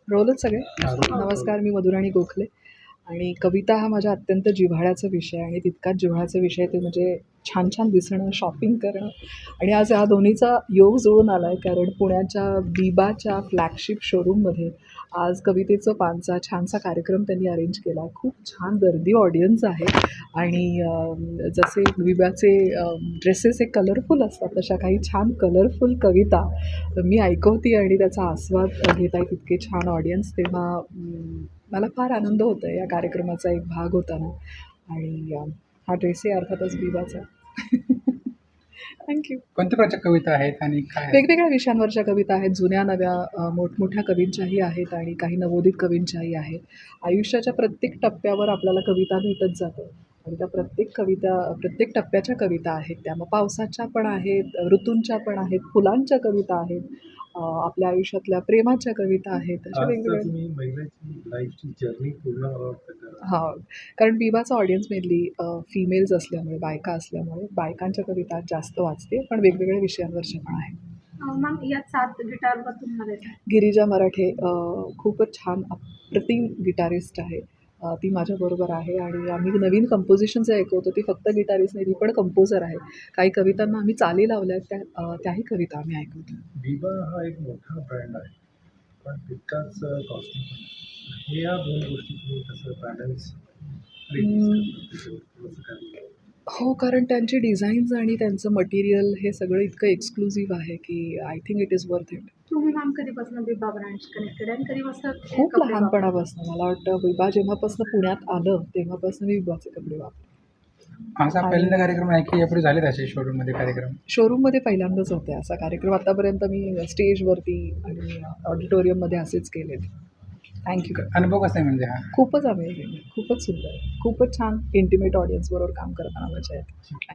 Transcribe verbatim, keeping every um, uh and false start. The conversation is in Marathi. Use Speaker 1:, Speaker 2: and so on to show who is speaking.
Speaker 1: रोलच सगळे. नमस्कार, मी मधुराणी गोखले आणि कविता हा माझ्या अत्यंत जिव्हाळ्याचा विषय आणि तितकाच जिव्हाळ्याचा विषय ते म्हणजे छान छान दिसणं, शॉपिंग करणं आणि आज या दोन्हीचा योग जुळून आला आहे. कारण पुण्याच्या बिबाच्या फ्लॅगशिप शोरूममध्ये आज कवितेचं पानचा छानसा कार्यक्रम त्यांनी अरेंज केला. खूप छान गर्दी ऑडियन्स आहे आणि अ, जसे बिबाचे ड्रेसेस हे कलरफुल असतात तशा काही छान कलरफुल कविता मी ऐकवते आणि त्याचा आस्वाद घेत आहे. तितके छान ऑडियन्स तेव्हा अम, मला फार आनंद होतो आहे या कार्यक्रमाचा एक भाग होताना आणि अ, हा ड्रेसही अर्थातच बिबाचा. थँक्यू.
Speaker 2: कोणत्या प्रकारच्या कविता आहेत आणि काय आहेत?
Speaker 1: वेगवेगळ्या विषयांवरच्या कविता आहेत. जुन्या नव्या अ, मोठमोठ्या कवींच्याही आहेत आणि काही नवोदित कवींच्याही आहेत. आयुष्याच्या प्रत्येक टप्प्यावर आपल्याला कविता भेटत जातं आणि त्या प्रत्येक कविता प्रत्येक टप्प्याच्या कविता आहेत त्या. मग पावसाच्या पण आहेत, ऋतूंच्या पण आहेत, फुलांच्या कविता आहेत, अ, आपल्या आयुष्यातल्या प्रेमाच्या कविता आहेत. अशा
Speaker 3: आज तर
Speaker 1: वेगवेगळ्या
Speaker 3: तुम्ही महिलाची लाईफची जर्नी पूर्ण मला वाटतं का
Speaker 1: हां, कारण बिबाचा ऑडियन्स मेनली फिमेल्स असल्यामुळे, बायका असल्यामुळे बायकांच्या कविता जास्त वाचते, पण वेगवेगळ्या विषयांवरच्या पण आहेत.
Speaker 4: मॅम यात सात गिटारवर तुम्हाला येतात.
Speaker 1: गिरिजा मराठे अ, खूपच छान अप्रतिम गिटारिस्ट आहे. अ, ती माझ्याबरोबर आहे आणि आम्ही नवीन कंपोजिशन जे ऐकवतो ती फक्त गिटारिस्ट नाही, ती पण कंपोजर आहे. काही कवितांना आम्ही चाली लावल्या आहेत, त्या अ, त्याही कविता आम्ही ऐकवतो.
Speaker 3: बिबा हा एक मोठा ब्रँड आहे, पण तितकाच कॉस्टली पण आहे. हे या दोन गोष्टी तुम्ही कसं बॅलन्स थोडंसं काय
Speaker 1: हो, कारण त्यांची डिझाईन्स आणि त्यांचं मटेरियल हे सगळं इतकं एक्सक्लुझिव्ह आहे की I think it is worth it.
Speaker 4: तुम्ही मॅम कधीपासून बिबा ब्रँड्स कनेक्टेड आणि कधीपासून हे
Speaker 1: खूप
Speaker 4: कपडे वापरता?
Speaker 1: लहानपणापासून मला वाटतं बिबा जेव्हापासून पुण्यात आलं तेव्हापासून मी बिबाचे कपडे वापरते.
Speaker 2: असा पहिल्यांदा कार्यक्रम आहे की यापुढे झाले तसे शोरूममध्ये कार्यक्रम?
Speaker 1: शोरूममध्ये पहिल्यांदाच होते असा कार्यक्रम. आतापर्यंत मी स्टेजवरती आणि ऑडिटोरियममध्ये असेच केलेत. थँक्यू.
Speaker 2: अनुभव कसा आहे म्हणजे हा?
Speaker 1: खूपच अमेझिंग, खूपच सुंदर, खूपच छान इंटिमेट ऑडियन्सबरोबर काम करताना मजा येते.